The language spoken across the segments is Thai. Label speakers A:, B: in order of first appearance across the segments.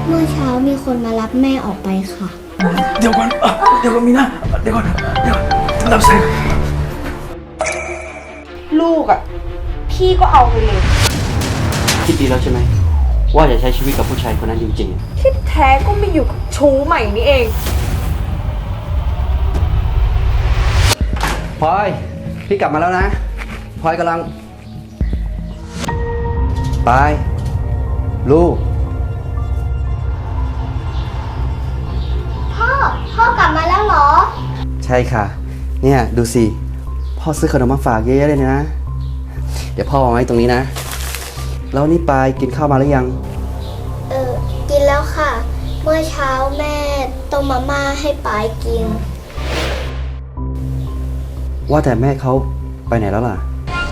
A: เมื่อเช้ามีคนมารับแม่ออกไปค่ะ
B: เดี๋ยวก่อนมีนะเดี๋ยวก่อนรับสาย
C: ลูกพี่ก็เอาไปเลย
D: คิดดีแล้วใช่ไหมว่าจะใช้ชีวิตกับผู้ชายคนนั้นจริงๆ
C: ที่แท้ก็ไม่อยู่กับชู้ใหม่นี่เอง
D: พลอยพี่กลับมาแล้วนะพลอยกำลังไปลูก
A: พ่อกลับมาแล้วเหรอ
D: ใช่ค่ะเนี่ยดูสิพ่อซื้อขนมมาฝากเยอะๆเลยนะเดี๋ยวพ่อวางไว้ตรงนี้นะแล้วนี่ปายกินข้าวมาหรือยัง
A: กินแล้วค่ะ เมื่อเช้าแม่ต้มมาม่าให้ปายกิน
D: ว่าแต่แม่เขาไปไหนแล้วล่ะ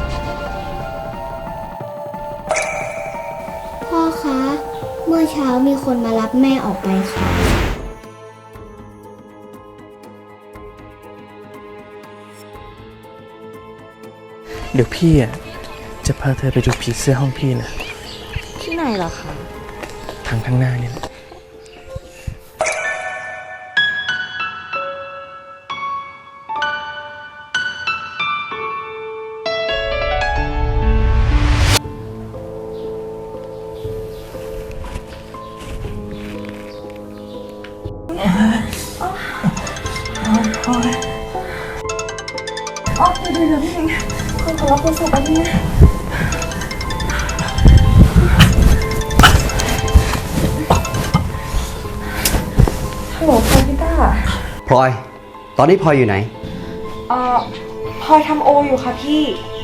A: พ่อคะ เมื่อเช้ามีคนมารับแม่ออกไปค่ะ
B: เดี๋ยวพี่จะพาเธอไปดูผีเสื้อห้องพี่นะ
C: ที่ไหนล่ะคะ
B: ทางข้างหน้านี่แหละ
C: เดี๋ยวพี่เองขอรับโทรศัพท์ไปที่นี่ฮัลโหลค่ะพี่ต้า
D: พลอยตอนนี้พลอยอยู่ไหน
C: พลอยทำโออยู่ค่ะพี่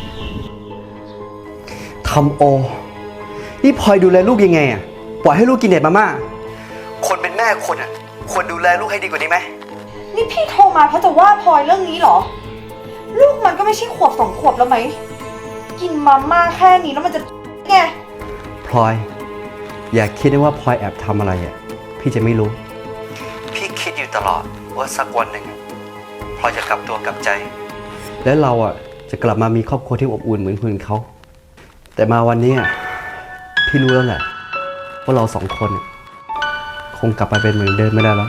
D: ทำโอนี่พลอยดูแลลูกยังไงปล่อยให้ลูกกินเด็ดมาม่าคนเป็นแม่คนควรดูแลลูกให้ดีกว่านี้ไหม
C: นี่พี่โทรมาเพราะจะว่าพลอยเรื่องนี้เหรอลูกมันก็ไม่ใช่ขวบ2 ขวบแล้วไหมกินมาม่าแค่นี้แล้วมันจะไง
D: พลอยอย่าคิดนะว่าพลอยแอบทำอะไรพี่จะไม่รู้พี่คิดอยู่ตลอดว่าสักวันหนึ่งพลอยจะกลับตัวกลับใจและเราจะกลับมามีครอบครัวที่อบอุ่นเหมือนคนอื่นเขาแต่มาวันนี้พี่รู้แล้วแหละว่าเรา2 คนคงกลับไปเป็นเหมือนเดิมไม่ได้แล้ว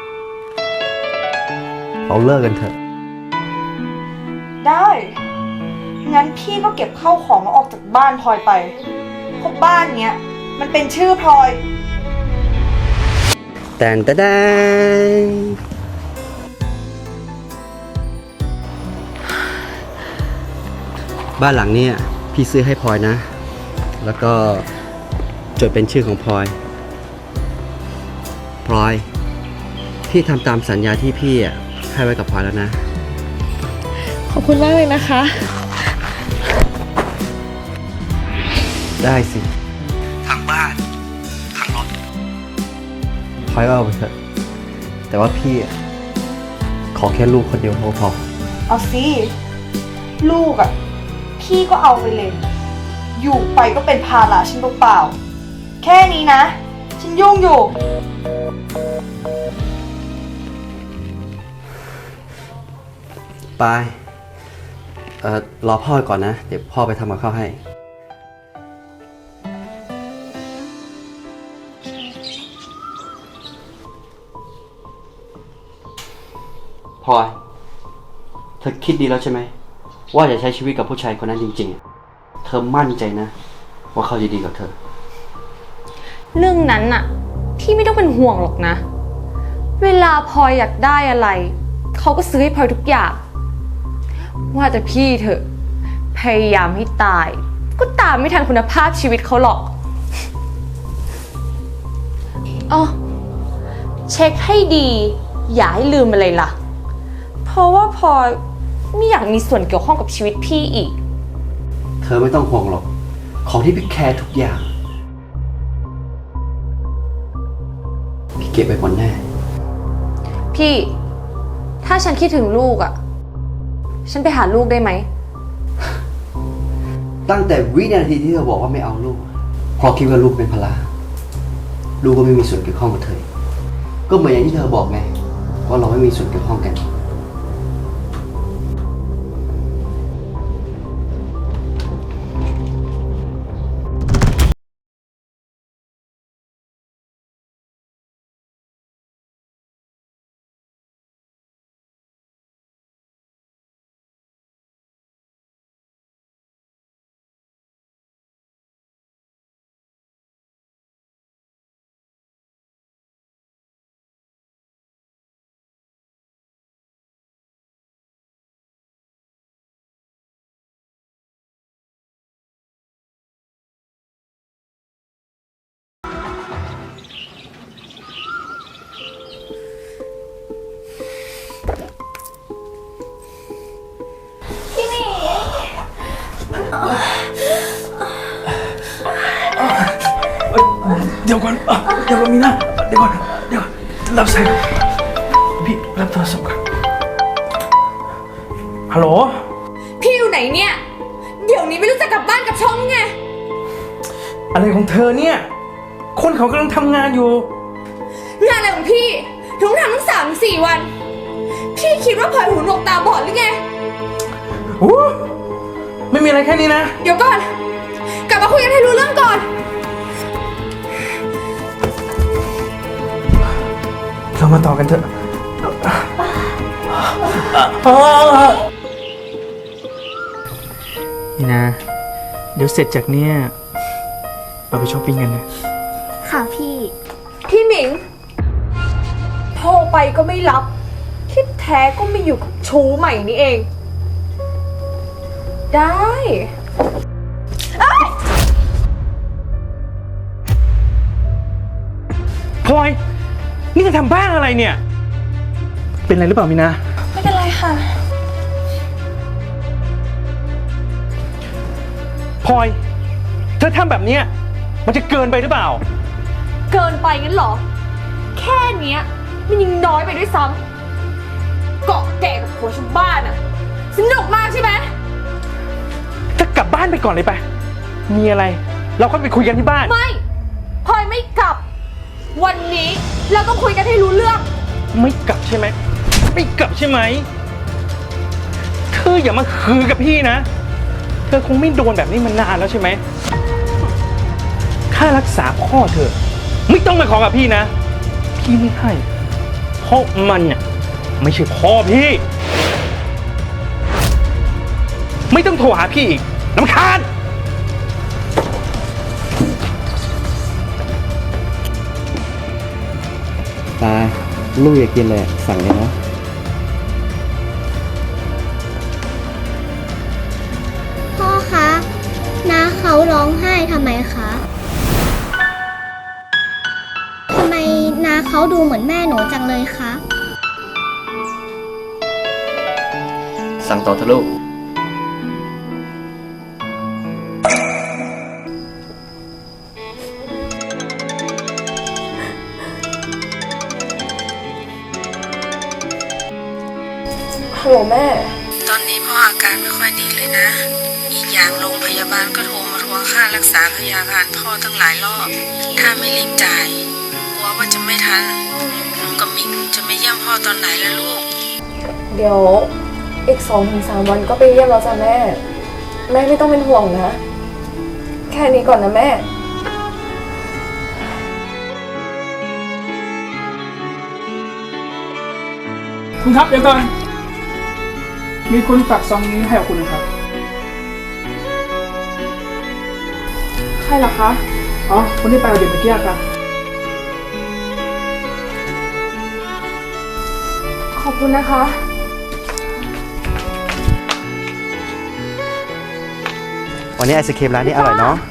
D: เราเลิกกันเถอะ
C: ได้งั้นพี่ก็เก็บข้าวของแล้วออกจากบ้านพลอยไปเพราะบ้านเนี้ยมันเป็นชื่อพลอย
D: แต่นแต่บ้านหลังนี้พี่ซื้อให้พลอยนะแล้วก็จดเป็นชื่อของพลอยพี่ทำตามสัญญาที่พี่ให้ไว้กับพลอยแล้วนะ
C: ขอบคุณมากเลยนะคะ
D: ได้สิทั้งบ้านทั้งรถพลอยก็เอาไปเถอะแต่ว่าพี่ขอแค่ลูกคนเดียวพอ
C: เอาสิลูกพี่ก็เอาไปเลยอยู่ไปก็เป็นภาระฉันเปล่าๆแค่นี้นะฉันยุ่งอยู่
D: ไปรอพ่อก่อนนะเดี๋ยวพ่อไปทำกับข้าวให้พลอยเธอคิดดีแล้วใช่ไหมว่าจะใช้ชีวิตกับผู้ชายคนนั้นจริงๆเธอมั่นใจนะว่าเขาจะดีกับเธอ
E: เรื่องนั้นพี่ไม่ต้องเป็นห่วงหรอกนะเวลาพลอยอยากได้อะไรเขาก็ซื้อให้พลอยทุกอย่างว่าแต่พี่เถอะพยายามให้ตายก็ตามไม่ทันคุณภาพชีวิตเขาหรอกอ๋อเช็คให้ดีอย่าให้ลืมอะไรล่ะเพราะว่าพลอยไม่อยากมีส่วนเกี่ยวข้องกับชีวิตพี่อีก
D: เธอไม่ต้องห่วงหรอกของที่พี่แคร์ทุกอย่างพี่เก็บไปหมดแน่
E: พี่ถ้าฉันคิดถึงลูกฉันไปหาลูกได้ไหม
D: ตั้งแต่วินาทีที่เธอบอกว่าไม่เอาลูกเพราะคิดว่าลูกเป็นภาระลูกก็ไม่มีส่วนเกี่ยวข้องกับเธอก็เหมือนอย่างที่เธอบอกไงว่าเราไม่มีส่วนเกี่ยวข้องกัน
B: ดี๋ยวก่อนมีนะเดี๋ยวก่อนรับสายพี่รับโทรศัพท์ก่อนฮัลโหล
E: พี่อยู่ไหนเนี่ย เดี๋ยวนี้ไม่รู้จะกลับบ้านกับช่องไง
B: อะไรของเธอเนี่ย คนเขากำลังทำงานอยู่
E: งานอะไรของพี่ถึงทำตั้ง3-4 วัน พี่คิดว่าพลอยหูหนวกตาบอดหรือไง
B: ไม่มีอะไรแค่นี้นะ
E: เดี๋ยวก่อน กลับมาคุยกันให้รู้เรื่องก่อน
B: เรามาต่อกันเถอะนี่นะ เดี๋ยวเสร็จจากเนี้ยเราไปช้อปปิ้งกันนะ
A: ค่ะพี่
E: พี่หมิงโทรไปก็ไม่รับที่แท้ก็ไม่อยู่กับชูใหม่นี่เอง ได้
B: พลอย นี่จะทำบ้าอะไรเนี่ย เป็นอะไรหรือเปล่ามินา
E: ไม่เป็นไรค่ะ
B: พลอย เธอทำแบบเนี้ยมันจะเกินไปหรือเปล่า
E: เกินไปงั้นเหรอ แค่เนี้ยมันยังน้อยไปด้วยซ้ำเกาะแก่กับผัวชาวบ้านอะสนุกมากใช่ไหม
B: ถ้ากลับบ้านไปก่อนเลยไป มีอะไร เราค่อยไปคุยกันที่บ้าน
E: ไม่พลอยไม่กลับ วันนี้เราต้องคุยกันให้รู้เรื่อง
B: ไม่กลับใช่ไหม ไม่กลับใช่ไหม เธออย่ามาคือกับพี่นะ เธอคงไม่โดนแบบนี้มานานแล้วใช่ไหม ค่ารักษาพ่อเธอ ไม่ต้องมาขอกับพี่นะ พี่ไม่ให้ เพราะมันเนี่ยไม่ใช่พ่อพี่ ไม่ต้องโทรหาพี่อีกรำคาญ
D: ตาลูกอยากกินอะไรสั่งเลยนะ
A: พ่อคะน้าเขาร้องไห้ทำไมคะทำไมน้าเขาดูเหมือนแม่หนูจังเลยคะ
D: สั่งต่อเถอะลูก
C: ฮัลโหลแม่
F: ตอนนี้พ่ออาการไม่ค่อยดีเลยนะ อีกอย่างโรงพยาบาลก็โทรมาทวงค่ารักษาพยาบาลพ่อตั้งหลายรอบ ถ้าไม่รีบจ่าย กลัวว่าจะไม่ทันหนูกับมิกจะไม่เยี่ยมพ่อตอนไหนแล้วลูก
C: เดี๋ยวอีก2-3 วันก็ไปเยี่ยมแล้วจ้ะแม่ แม่ไม่ต้องเป็นห่วงนะ แค่นี้ก่อนนะแม่
G: คุณครับเดี๋ยวก่อน มีคนฝากซองนี้ให้กับคุณนะครับ
C: ใครล่ะคะ
G: อ๋อ คนที่ไปกับเด็กเมื่อกี้ครับ
C: ขอบคุณนะคะ
D: วันนี้ไอศครีมร้านนี้อร่อยเนาะ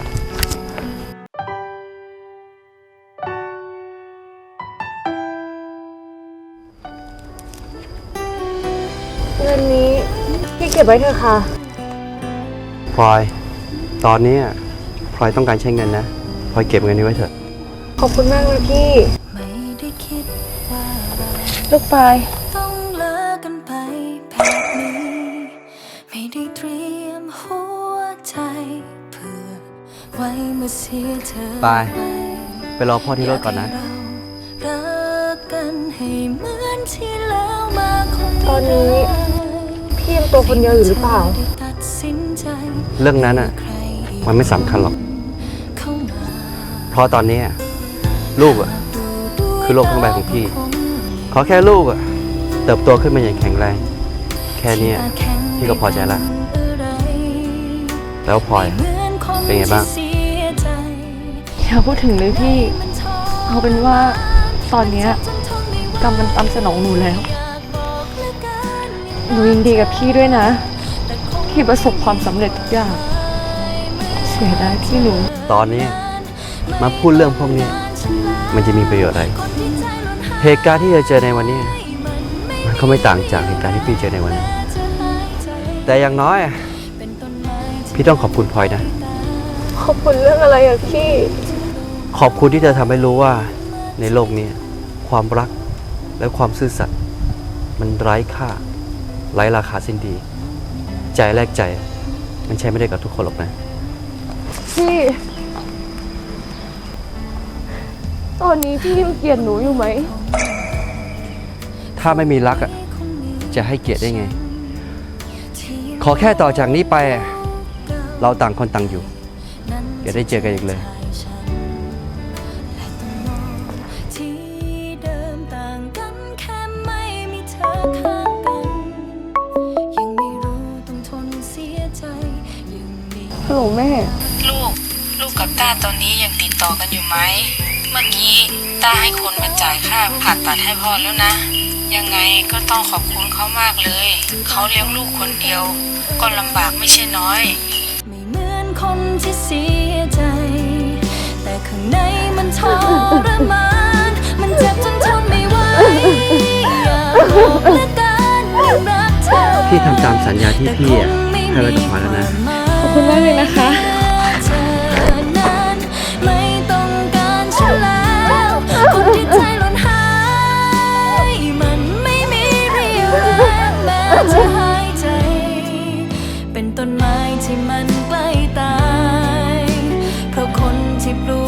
C: เงินนี้พี่เก็บไว้เถอะค่ะ
D: พลอย ตอนนี้พลอยต้องการใช้เงินนะ พลอยเก็บเงินนี้ไว้เถอะ
C: ขอบคุณมากนะพี่
F: ไม่ได้คิดว่าเรา
C: ลูกปลาย
F: ต้องเลิกกันไปแบบนี้ ไม่ได้เตรียมหัวใจเพื่อไว้เมื่อเสียเธอ
D: ไป ไปรอพ่อที่รถก่อนนะ
F: เรารักกันให้เหมือนที่แล้วมาคง
C: ตอนนี้พี่ยังตัวคนเดียวอยู่หรือเปล่า
F: ตัดสินใจ
D: เรื่องนั้นอ่ะ มันไม่สำคัญหรอก
F: เข้ามา
D: เพราะตอนนี้ลูกอ่ะ คือโลกทั้งใบของพี่ ขอแค่ลูกอ่ะ เติบโตขึ้นมาอย่างแข็งแรง แค่เนี้ยพี่ก็พอใจละ แล้วพลอยเป็นไงบ้าง
E: อย่าพูดถึงเลยพี่ เอาเป็นว่าตอนเนี้ยกรรมมันตามสนองหนูแล้ว หนูยินดีกับพี่ด้วยนะ ที่ประสบความสำเร็จทุกอย่าง เสียดายพี่หนู
D: ตอนนี้มาพูดเรื่องพวกนี้ มันจะมีประโยชน์อะไร เหตุการณ์ที่เราเจอในวันนี้ มันก็ไม่ต่างจากเหตุการณ์ที่พี่เจอในวันนั้น แต่อย่างน้อยพี่ต้องขอบคุณพลอยนะ
C: ขอบคุณเรื่องอะไรอะพี่
D: ขอบคุณที่เธอทำให้รู้ว่าในโลกนี้ความรักและความซื่อสัตย์มันไร้ค่า ไร้ราคาสิ้นดี ใจแลกใจ มันใช้ไม่ได้กับทุกคนหรอกนะ
E: พี่ ตอนนี้พี่ยังเกลียดหนูอยู่ไหม
D: ถ้าไม่มีรักอ่ะ จะให้เกียรติได้ไง ขอแค่ต่อจากนี้ไป เราต่างคนต่างอยู่ อย่าได้เจอกันอีกเลย
H: ที่เดิมต่างกันแค่ไม่มีเธอข้างกัน ยังไม่รู้ต้องทนเสียใจยังมี
E: ฮัลโหลแม่
F: ลูกกับต้าตอนนี้ยังติดต่อกันอยู่ไหม เมื่อกี้ต้าให้คนมาจ่ายค่าผ่าตัดให้พ่อแล้วนะ ยังไงก็ต้องขอบคุณเขามากเลย เขาเลี้ยงลูกคนเดียว ก็ลำบากไม่ใช่น้อย
H: ไม่เหมือนคนที่เสียใจ แต่ข้างในมันทรมาน มันเจ็บจนทนไม่ไหวอยากบอกเหลือเกินว่ารักเธอ
D: พี่ทำตามสัญญาที่พี่อะให้ไว้กับพลอยแล้วนะ
E: ขอบคุณมากเลยนะคะ
H: เธอนั้นไม่ต้องการฉันแล้วคนที่ใจหล่นหายมันไม่มีเรี่ยวแรงแม้จะหายใจ เป็นต้นไม้ที่มันใกล้ตาย เพราะคนที่ปลู